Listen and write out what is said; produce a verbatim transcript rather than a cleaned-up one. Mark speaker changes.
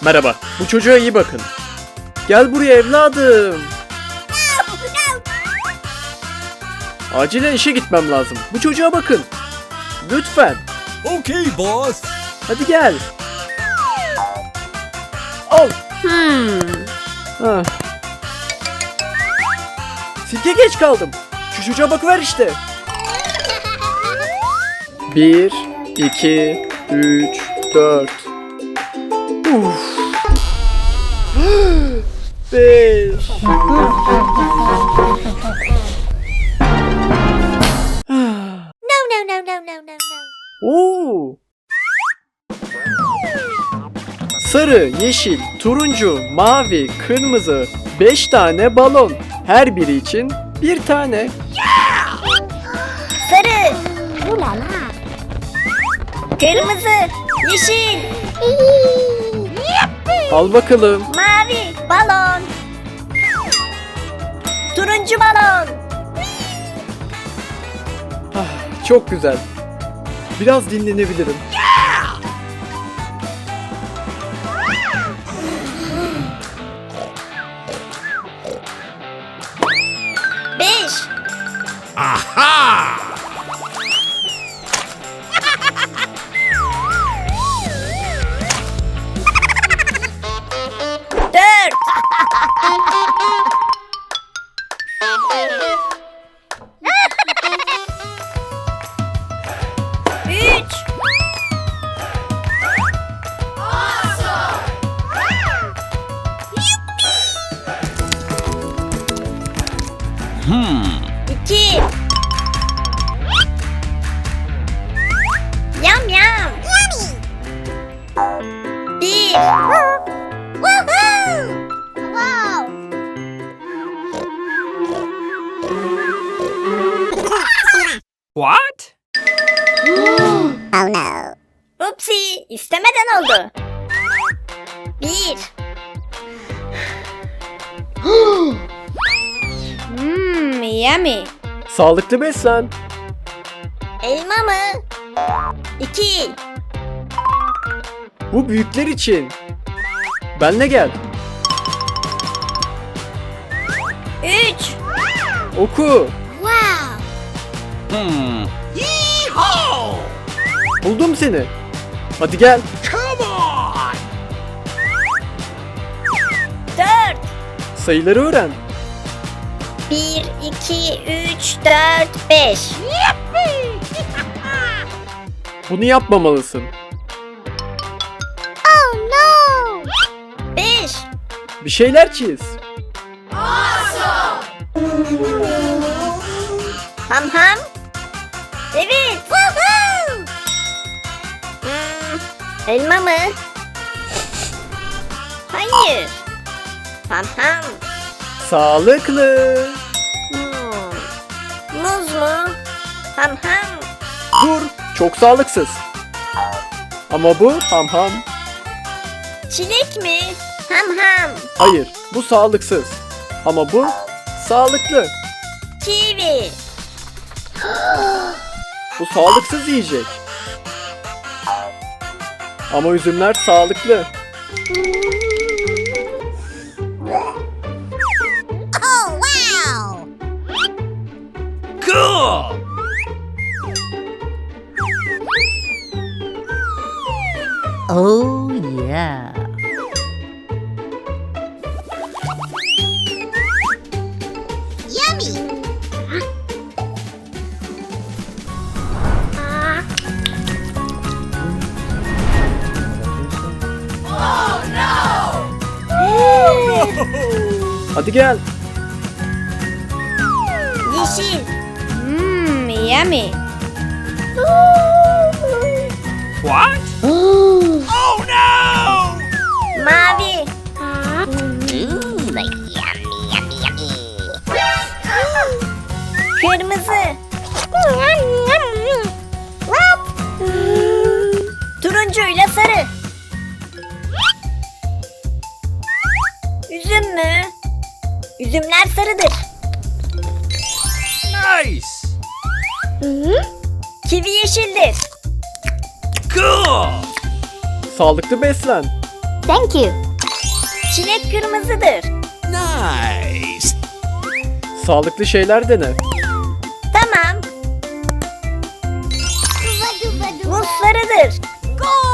Speaker 1: Merhaba. Bu çocuğa iyi bakın. Gel buraya evladım. Acilen işe gitmem lazım. Bu çocuğa bakın. Lütfen.
Speaker 2: Okay, boss.
Speaker 1: Hadi gel. Al.
Speaker 3: Hmm.
Speaker 1: Ah. Sirke geç kaldım. Şu çocuğa bakıver işte. Bir, iki, üç, dört. Uf. Beş.
Speaker 3: No, no, no, no, no, no, no.
Speaker 1: Oo. Sarı, yeşil, turuncu, mavi, kırmızı. Beş tane balon. Her biri için bir tane.
Speaker 3: Sarı. Ulala. Kırmızı. Yeşil.
Speaker 1: Al bakalım.
Speaker 3: Mavi. Balon. Turuncu balon.
Speaker 1: Ah, çok güzel. Biraz dinlenebilirim.
Speaker 3: Beş.
Speaker 2: Aha!
Speaker 3: Dört. Üç. İki. Yam yam. Bir. Woohoo! Wow.
Speaker 2: What?
Speaker 3: Oh no. Upsi, istemeden oldu. Bir. Hmm, yummy.
Speaker 1: Sağlıklı beslen.
Speaker 3: Elma mı? İki.
Speaker 1: Bu büyükler için. Benle gel.
Speaker 3: Üç.
Speaker 1: Oku.
Speaker 3: Wow.
Speaker 2: Hmm. Yeehaw!
Speaker 1: Buldum seni. Hadi gel.
Speaker 2: Come on!
Speaker 3: Dört.
Speaker 1: Sayıları öğren.
Speaker 3: Bir, iki, üç, dört, beş.
Speaker 1: Bunu yapmamalısın.
Speaker 3: Oh no. Beş.
Speaker 1: Bir şeyler çiz.
Speaker 3: Ham ham. Evet. Woohoo. Hmm, elma mı? Hayır. Ham ham.
Speaker 1: Sağlıklı.
Speaker 3: Hmm, muz mu? Ham ham.
Speaker 1: Dur. Çok sağlıksız. Ama bu ham ham.
Speaker 3: Çilek mi? Ham ham.
Speaker 1: Hayır. Bu sağlıksız. Ama bu sağlıklı.
Speaker 3: Kivi.
Speaker 1: Bu sağlıksız yiyecek. Ama üzümler sağlıklı.
Speaker 3: Oh wow.
Speaker 2: Cool!
Speaker 4: Oh yeah.
Speaker 3: Yummy.
Speaker 1: Hadi gel.
Speaker 3: Yeşil. Hmm, yummy.
Speaker 2: What? Oh no!
Speaker 3: Mavi. Kırmızı. Turuncuyla sarı. Üzüm mü? Üzümler sarıdır.
Speaker 2: Nice!
Speaker 3: Kivi yeşildir.
Speaker 2: Cool!
Speaker 1: Sağlıklı beslen.
Speaker 3: Thank you.
Speaker 5: Çilek kırmızıdır.
Speaker 2: Nice.
Speaker 1: Sağlıklı şeyler dene.
Speaker 5: Tamam. Muz sarıdır. Go!